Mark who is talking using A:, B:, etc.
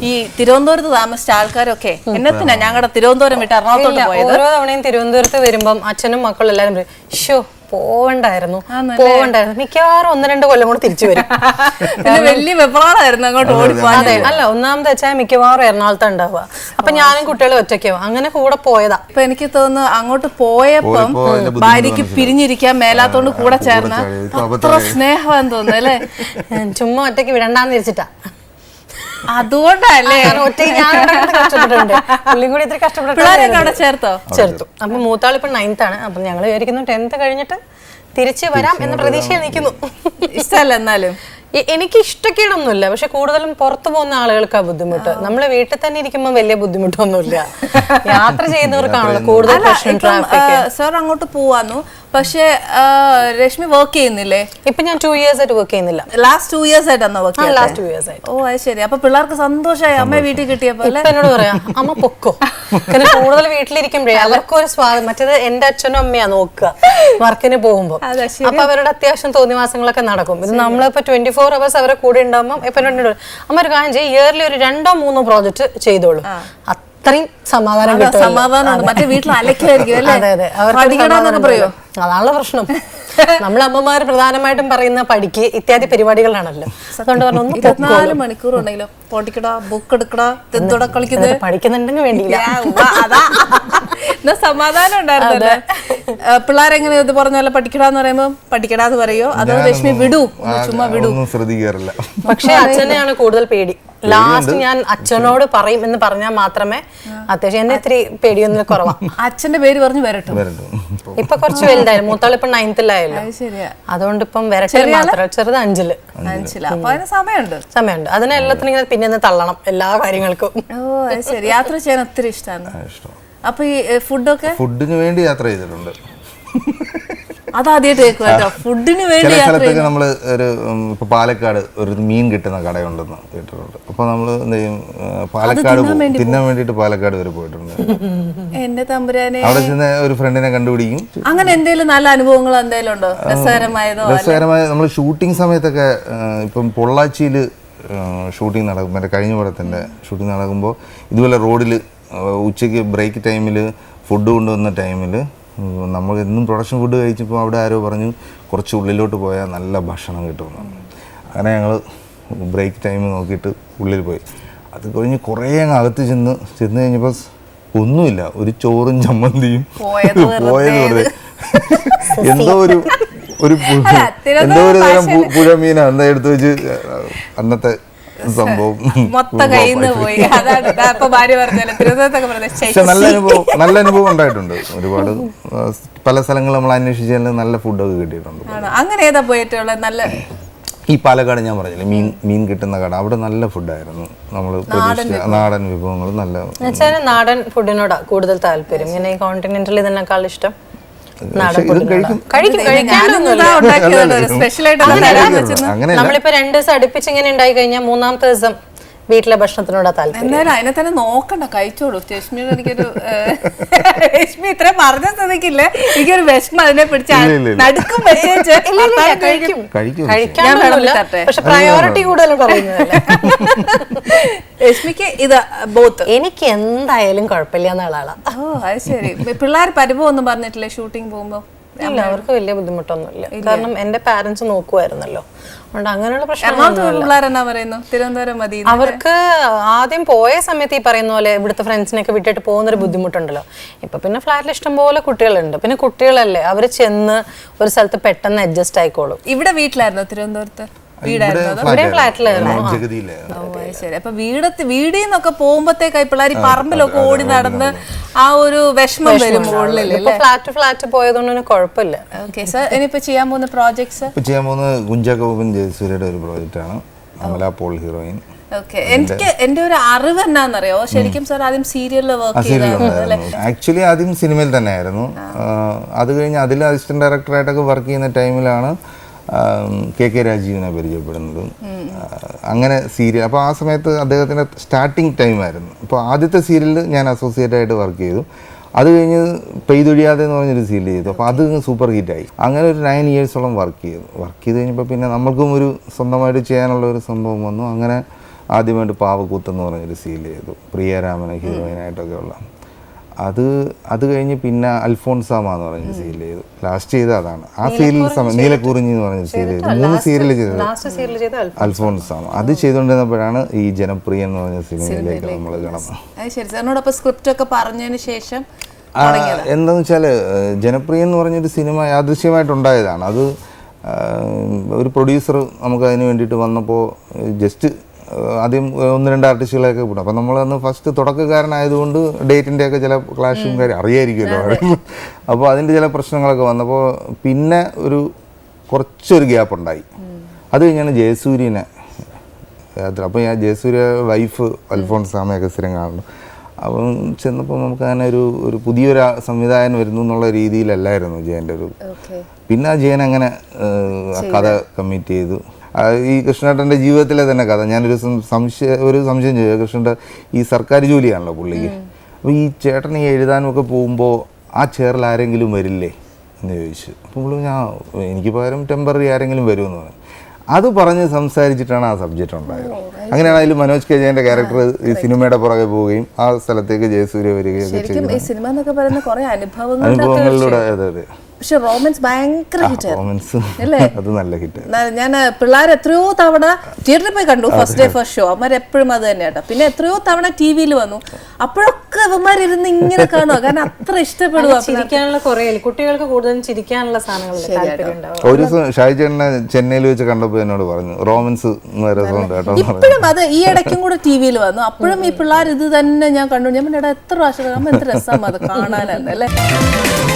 A: ഈ തിരുവനന്തപുരത്ത് താമസിച്ച ആൾക്കാരൊക്കെ എന്നത്തിനാ ഞങ്ങളുടെ തിരുവനന്തപുരം വിട്ട് എറണാകുളത്തോട്ട് പോയത്?
B: ഓരോ തവണയും തിരുവനന്തപുരത്ത് വരുമ്പം അച്ഛനും മക്കളും എല്ലാരും പറയും, ഷോ പോവണ്ടായിരുന്നു. മിക്കവാറും 1-2 കൊല്ലം കൂടെ തിരിച്ചു വരും.
A: വലിയ വെപ്രാളായിരുന്നു അങ്ങോട്ട് ഓടിപ്പോവാൻ.
B: അതെ, അല്ല ഒന്നാമത് വെച്ചാൽ മിക്കവാറും എറണാകുളത്ത് ഉണ്ടാവുക. അപ്പൊ ഞാനും കുട്ടികളും ഒറ്റയ്ക്കാവും. അങ്ങനെ കൂടെ പോയതാ.
A: ഇപ്പൊ എനിക്ക് തോന്നുന്നു അങ്ങോട്ട് പോയപ്പം ഭാര്യക്ക് പിരിഞ്ഞിരിക്കാൻ മേലാത്തോണ്ട് കൂടെ ചേർന്ന അത്ര സ്നേഹമാന്ന് തോന്നുന്നു അല്ലേ?
B: ചുമ്മാ ഒറ്റയ്ക്ക് വിടണ്ടാന്ന് തിരിച്ചിട്ടാ.
A: അതുകൊണ്ടല്ലേ
B: ഒറ്റയ്ക്ക് ഞാൻ കഷ്ടപ്പെട്ടിട്ടുണ്ട്. പുള്ളിയും കൂടി ഇത്ര
A: കഷ്ടപ്പെട്ടു
B: ചേർത്തു. അപ്പൊ മൂത്താളിപ്പോ 9th ആണ്. അപ്പൊ ഞങ്ങൾ വിചാരിക്കുന്നു 10th കഴിഞ്ഞിട്ട് തിരിച്ചു വരാം എന്ന പ്രതീക്ഷയിൽ നിൽക്കുന്നു.
A: ഇഷ്ടമല്ല എന്നാലും
B: എനിക്ക് ഇഷ്ടക്കേടൊന്നുമില്ല. പക്ഷെ കൂടുതലും പുറത്തു പോകുന്ന ആളുകൾക്കാ ബുദ്ധിമുട്ട്. നമ്മള് വീട്ടിൽ തന്നെ ഇരിക്കുമ്പോൾ വലിയ ബുദ്ധിമുട്ടൊന്നുമില്ല. യാത്ര ചെയ്യുന്നവർക്കാണല്ലോ കൂടുതൽ പ്രശ്നം. ട്രാഫിക്.
A: സാർ അങ്ങോട്ട് പോവാന്നു. പക്ഷെ രശ്മി വർക്ക് ചെയ്യുന്നില്ലേ?
B: ഇപ്പൊ ഞാൻ 2 years ആയിട്ട് വർക്ക് ചെയ്യുന്നില്ല.
A: ലാസ്റ്റ് 2 years ആയിട്ടാണോ വർക്ക്?
B: ലാസ്റ്റ് 2 years ആയിട്ട്.
A: ഓ അത് ശരി. അപ്പൊ പിള്ളേർക്ക് സന്തോഷമായി അമ്മ വീട്ടിൽ കിട്ടിയപ്പോ
B: എന്നോട് പറയാം, അമ്മ പൊക്കോ. കാരണം കൂടുതൽ വീട്ടിലിരിക്കുമ്പോഴേ അവർക്കൊരു സ്വാദം. മറ്റേത് എന്റെ അച്ഛനും അമ്മയാ നോക്കുക വർക്കിന് പോകുമ്പോ. അപ്പൊ അവരുടെ അത്യാവശ്യം തോന്നിവാസങ്ങളൊക്കെ നടക്കും. ഇത് നമ്മളിപ്പോ 24 hours അവരെ കൂടെ ഉണ്ടാകുമ്പോൾ ഇപ്പൊ അമ്മ ഒരു കാര്യം ചെയ്യും, ഇയർലി ഒരു 2-3 പ്രോജക്റ്റ് ചെയ്തോളൂ. അത്രയും സമാധാനം കിട്ടും.
A: സമാധാനമാണ്. മറ്റേ വീട്ടിൽ അലക്കായിരിക്കും അല്ലേ?
B: അതെ അതെ. അവർക്ക് പറയോ? അതാണുള്ള പ്രശ്നം. നമ്മളെ അമ്മമാര് പ്രധാനമായിട്ടും പറയുന്ന പഠിക്ക് ഇത്യാദി പരിപാടികളാണല്ലോ. അതുകൊണ്ട് പറഞ്ഞു
A: 24 മണിക്കൂർ ഉണ്ടെങ്കിലോ പൊടിക്കടാ ബുക്ക് എടുക്കടാ തെന്തോടെ കളിക്കുന്നത്
B: പഠിക്കുന്നുണ്ടെങ്കിൽ വേണ്ടിയില്ല.
A: എന്നാ സമാധാനം ഉണ്ടായിരുന്നല്ലേ? പിള്ളേരെങ്ങനെ ഇത് പറഞ്ഞ പോലെ പഠിക്കടാന്ന് പറയുമ്പോ പഠിക്കടാന്ന് പറയോ അതോ രശ്മി വിടൂ ചുമ്മാ വിടൂ?
C: ശ്രദ്ധിക്കാറില്ല.
B: പക്ഷെ അച്ഛനെയാണ് കൂടുതൽ പേടി. ലാസ്റ്റ് ഞാൻ അച്ഛനോട് പറയും എന്ന് പറഞ്ഞാൽ മാത്രമേ അത്യാവശ്യം എന്നെ ഇത്തിരി പേടിയൊന്നും കുറവാ.
A: അച്ഛന്റെ പേര് പറഞ്ഞു വരട്ടും.
B: ഇപ്പൊ കുറച്ച് വലുതായിരുന്നു. മൂത്താൾ ഇപ്പൊ 9th അതുകൊണ്ട് ഇപ്പം വരട്ടെ മാത്രം. ചെറുത് 5ല്.
A: അപ്പൊ അതിന് സമയമുണ്ട്.
B: അതിനെല്ലാത്തിനും ഇങ്ങനെ പിന്നെ തള്ളണം എല്ലാ കാര്യങ്ങൾക്കും.
A: ഓ അത് ശരി. യാത്ര ചെയ്യാൻ ഒത്തിരി ഇഷ്ടമാണ്. അപ്പൊ ഈ ഫുഡിന്
C: വേണ്ടി യാത്ര ചെയ്തിട്ടുണ്ട്.
A: അതാദ്യമായിട്ട് കേട്ടോ, ഫുഡിന് വേണ്ടി
C: സ്ഥലത്തൊക്കെ നമ്മള് ഒരു ഇപ്പൊ പാലക്കാട് ഒരു മീൻ കിട്ടുന്ന കടയുണ്ടെന്ന് കേട്ടിട്ടുണ്ട്. അപ്പൊ നമ്മള് എന്ത് ചെയ്യും, പാലക്കാട് തിന്നാൻ വേണ്ടിട്ട് പാലക്കാട് വരെ പോയിട്ടുണ്ട്.
A: എന്റെ തമ്പുരാനെ.
C: അവിടെ ചെന്ന് ഒരു ഫ്രണ്ടിനെ കണ്ടുപിടിക്കും.
A: അങ്ങനെ എന്തെങ്കിലും നല്ല അനുഭവങ്ങൾ എന്തെങ്കിലും ഉണ്ടോ? രസകരമായ
C: നമ്മൾ ഷൂട്ടിംഗ് സമയത്തൊക്കെ ഇപ്പം പൊള്ളാച്ചിയിൽ ഷൂട്ടിംഗ് നടക്കും. മറ്റേ കഴിഞ്ഞ പടത്തിന്റെ ഷൂട്ടിംഗ് നടക്കുമ്പോൾ ഇതുപോലെ റോഡിൽ ഉച്ചയ്ക്ക് ബ്രേക്ക് ടൈമിൽ ഫുഡ് കൊണ്ടുവന്ന ടൈമിൽ നമ്മൾ എന്നും പ്രൊഡക്ഷൻ ഫുഡ് കഴിച്ചപ്പോൾ അവിടെ ആരോ പറഞ്ഞു കുറച്ച് ഉള്ളിലോട്ട് പോയാൽ നല്ല ഭക്ഷണം കിട്ടുമെന്ന്. അങ്ങനെ ഞങ്ങൾ ബ്രേക്ക് ടൈം നോക്കിയിട്ട് ഉള്ളിൽ പോയി. അത് കഴിഞ്ഞ് കുറേ അങ്ങ് അകത്ത് ചെന്ന് കഴിഞ്ഞപ്പോൾ ഒന്നുമില്ല, ഒരു ചോറും ചമ്മന്തിയും പോയത് വെറുതെ. എന്തോ ഒരു തരം പുഴമീന എന്താ എടുത്തു വെച്ച് അന്നത്തെ സംഭവം
A: മൊത്തം കയ്യിൽ നിന്ന് പോയി.
C: നല്ല അനുഭവം ഉണ്ടായിട്ടുണ്ട്. ഒരുപാട് പല സ്ഥലങ്ങൾ നമ്മൾ അന്വേഷിച്ചാൽ നല്ല ഫുഡൊക്കെ കിട്ടിയിട്ടുണ്ട്.
A: അങ്ങനെ ഏതാ പോയിട്ടുള്ള നല്ല?
C: ഈ പാലക്കാട് ഞാൻ പറഞ്ഞില്ലേ മീൻ കിട്ടുന്ന കട, അവിടെ നല്ല ഫുഡായിരുന്നു. നമ്മൾ നാടൻ വിഭവങ്ങൾ നല്ല.
B: നാടൻ ഫുഡിനോടാ കൂടുതൽ താല്പര്യം. ഇങ്ങനെ കോണ്ടിനെന്റൽ ഇതിനേക്കാൾ ഇഷ്ടം നമ്മളിപ്പോ 2 ദിവസം അടുപ്പിച്ച് ഇങ്ങനെ ഉണ്ടായി കഴിഞ്ഞാൽ 3ാമത്തെ ദിവസം വീട്ടിലെ ഭക്ഷണത്തിനോടാ താല്പര്യം.
A: എന്നാലും അതിനെ തന്നെ നോക്കണ്ട, കഴിച്ചോളൂ. രശ്മിയോട് എനിക്കൊരു രശ്മി ഇത്ര പറഞ്ഞ സ്ഥിതിക്കില്ലേ, എനിക്കൊരു വിഷമം അതിനെ പിടിച്ച് നടുക്കും
B: പക്ഷെ പ്രയോറിറ്റി കൂടുതലും പറയുന്നതല്ലേ.
A: രശ്മിക്ക് ഇത് ബോത്ത്.
B: എനിക്ക് എന്തായാലും കുഴപ്പമില്ല എന്നുള്ള ആളാ.
A: ഓ അത് ശരി. പിള്ളേർ പരിഭവം ഒന്നും പറഞ്ഞിട്ടില്ലേ ഷൂട്ടിംഗ് പോകുമ്പോ?
B: ഇല്ല, അവർക്ക് വലിയ ബുദ്ധിമുട്ടൊന്നുമില്ല. കാരണം എന്റെ പാരന്റ്സ് നോക്കുമായിരുന്നല്ലോ. അതുകൊണ്ട് അങ്ങനെയുള്ള പ്രശ്നം.
A: തിരുവനന്തപുരം മതി.
B: അവർക്ക് ആദ്യം പോയ സമയത്ത് ഈ പറയുന്ന പോലെ ഇവിടുത്തെ ഫ്രണ്ട്സിനൊക്കെ വിട്ടിട്ട് പോകുന്നൊരു ബുദ്ധിമുട്ടുണ്ടല്ലോ. ഇപ്പൊ പിന്നെ ഫ്ലാറ്റിൽ ഇഷ്ടംപോലെ കുട്ടികളുണ്ട്. പിന്നെ കുട്ടികളല്ലേ, അവര് ചെന്ന് ഒരു സ്ഥലത്ത് പെട്ടെന്ന് അഡ്ജസ്റ്റ് ആയിക്കോളും.
A: ഇവിടെ വീട്ടിലായിരുന്നോ തിരുവനന്തപുരത്ത്? അപ്പൊ വീടിൽ നിന്നൊക്കെ പോകുമ്പോഴത്തേക്കായി പിള്ളേർ പറമ്പിലൊക്കെ ഓടി നടന്ന് ആ ഒരു വിഷമം വരും.
B: ഫ്ലാറ്റ് പോയതുകൊണ്ട് കുഴപ്പമില്ല.
A: ഇനിയിപ്പോ ചെയ്യാൻ പോകുന്ന പ്രോജക്ട്സ്?
C: ചെയ്യാൻ പോകുന്നത് കുഞ്ചാക്കോപ്പൻ ജയസൂര്യയുടെ ഒരു പ്രോജക്റ്റ് ആണ്, അമല പോൾ ഹീറോയിൻ.
A: എനിക്ക് എന്റെ ഒരു അറിവ് എന്നാന്നറിയോ, ശരിക്കും സാർ ആദ്യം സീരിയലിൽ വർക്ക് ചെയ്തായിരുന്നു.
C: ആക്ച്വലി ആദ്യം സിനിമയിൽ തന്നെ ആയിരുന്നു. അത് കഴിഞ്ഞ് അതിൽ അസിസ്റ്റന്റ് ഡയറക്ടറായിട്ടൊക്കെ വർക്ക് ചെയ്യുന്ന ടൈമിലാണ് കെ രാജീവിനെ പരിചയപ്പെടുന്നത്. അങ്ങനെ സീരിയൽ, അപ്പോൾ ആ സമയത്ത് അദ്ദേഹത്തിൻ്റെ സ്റ്റാർട്ടിങ് ടൈമായിരുന്നു. അപ്പോൾ ആദ്യത്തെ സീരിയലിൽ ഞാൻ അസോസിയേറ്റ് ആയിട്ട് വർക്ക് ചെയ്തു. അത് കഴിഞ്ഞ് പെയ്തൊഴിയാതെ എന്ന് പറഞ്ഞൊരു സീരിയൽ ചെയ്തു. അപ്പോൾ അത് സൂപ്പർ ഹിറ്റായി. അങ്ങനെ ഒരു 9 yearsോളം വർക്ക് ചെയ്തു കഴിഞ്ഞപ്പോൾ പിന്നെ നമ്മൾക്കും ഒരു സ്വന്തമായിട്ട് ചെയ്യാനുള്ള ഒരു സംഭവം വന്നു. അങ്ങനെ ആദ്യമായിട്ട് പാവക്കൂത്ത് എന്ന് പറഞ്ഞൊരു സീരിയൽ ചെയ്തു, പ്രിയരാമനെ ഹീറോയിനായിട്ടൊക്കെ ഉള്ള. അത് കഴിഞ്ഞ് പിന്നെ അൽഫോൺസാമ എന്ന് പറഞ്ഞ സീരിയൽ ചെയ്തു. ലാസ്റ്റ് ചെയ്ത അതാണ്. ആ സീരിയൽ സമയം നീലക്കുറിഞ്ഞി എന്ന് പറഞ്ഞ സീരിയൽ ചെയ്തു. 3 സീരിയൽ ചെയ്തത് അൽഫോൺസാമ. അത് ചെയ്തുകൊണ്ടിരുന്നപ്പോഴാണ് ഈ ജനപ്രിയ എന്ന് പറഞ്ഞ സിനിമയിലേക്ക് നമ്മൾ
A: കടന്നത്. സ്ക്രിപ്റ്റ് ഒക്കെ പറഞ്ഞതിന് ശേഷം
C: എന്താന്ന് വെച്ചാൽ ജനപ്രിയ എന്ന് പറഞ്ഞൊരു സിനിമ യാദൃശ്യമായിട്ടുണ്ടായതാണ്. അത് ഒരു പ്രൊഡ്യൂസർ നമുക്ക് അതിന് വേണ്ടിയിട്ട് വന്നപ്പോൾ ജസ്റ്റ് ആദ്യം 1-2 ആർട്ടിസ്റ്റുകളെയൊക്കെ വിടും. അപ്പം നമ്മളന്ന് ഫസ്റ്റ് തുടക്കക്കാരനായതുകൊണ്ട് ഡേറ്റിൻ്റെയൊക്കെ ചില ക്ലാഷും കാര്യം അറിയായിരിക്കുമല്ലോ. അപ്പോൾ അതിൻ്റെ ചില പ്രശ്നങ്ങളൊക്കെ വന്നപ്പോൾ പിന്നെ കുറച്ചൊരു ഗ്യാപ്പ് ഉണ്ടായി. അത് കഴിഞ്ഞാണ് ജയസൂര്യനെ അപ്പോൾ ഞാൻ ജയസൂര്യ വൈഫ് അൽഫോൺസാമയൊക്കെ സ്ഥിരം കാണുന്നു. അപ്പം ചെന്നപ്പോൾ നമുക്ക് അങ്ങനെ ഒരു പുതിയൊരു സംവിധായകൻ വരുന്നു എന്നുള്ള രീതിയിലല്ലായിരുന്നു ജയൻ്റെ പിന്നെ ആ ജയൻ അങ്ങനെ കഥ കമ്മിറ്റ് ചെയ്തു. ഈ കൃഷ്ണേട്ടൻ്റെ ജീവിതത്തിലെ തന്നെ കഥ ഞാനൊരു സംശയം ചെയ്തു. കൃഷ്ണൻ്റെ ഈ സർക്കാർ ജോലിയാണല്ലോ പുള്ളിക്ക്. അപ്പോൾ ഈ ചേട്ടൻ ഈ എഴുതാനുമൊക്കെ പോകുമ്പോൾ ആ ചെയറിൽ ആരെങ്കിലും വരില്ലേ എന്ന് ചോദിച്ചു. അപ്പോൾ പുള്ളി എനിക്ക് പകരം ടെമ്പററി ആരെങ്കിലും വരുമെന്ന് പറഞ്ഞു. അത് പറഞ്ഞ് സംസാരിച്ചിട്ടാണ് ആ സബ്ജക്റ്റ് ഉണ്ടായത്. അങ്ങനെയാണ് അതിൽ മനോജ് കെ ജയന്റെ ക്യാരക്ടർ ഈ സിനിമയുടെ പുറകെ പോവുകയും ആ സ്ഥലത്തേക്ക് ജയസൂര്യ വരികയൊക്കെ
A: ചെയ്തു.
C: അനുഭവങ്ങളിലൂടെ. അതെ അതെ.
A: പക്ഷെ റോമൻസ് ഭയങ്കര ഹിറ്റ്
C: അല്ലേ? അത് നല്ല ഹിറ്റ്.
A: ഞാൻ പിള്ളേർ എത്രയോ തവണ തിയേറ്ററിൽ പോയി കണ്ടു. ഫസ്റ്റ് ഡേ ഫസ്റ്റ് ഷോ അവന്മാരെപ്പോഴും അത് തന്നെ കേട്ടോ. പിന്നെ എത്രയോ തവണ ടി-വിയിൽ വന്നു. അപ്പോഴൊക്കെ അവന്മാരിരുന്ന് ഇങ്ങനെ കാണുക, കാരണം അത്ര ഇഷ്ടപ്പെടുക.
B: ചിരിക്കാനുള്ള കുറേ കുട്ടികൾക്ക് കൂടുതലും ചിരിക്കാനുള്ള സാധനങ്ങൾ.
C: ഒരു ദിവസം ഷാജി ചേട്ടനെ ചെന്നൈയിൽ വെച്ച് കണ്ടപ്പോൾ എന്നോട് പറഞ്ഞു റോമൻസ് രസമുണ്ട് കേട്ടോ.
A: ഇപ്പോഴും അത് ഈ ഇടയ്ക്കും കൂടെ ടി-വിയിൽ വന്നു. അപ്പോഴും ഈ പിള്ളേർ ഇത് തന്നെ ഞാൻ കണ്ടു. ഞാൻ എത്ര പ്രാവശ്യം എന്ത് രസമാണ് അത് കാണാനല്ലേ.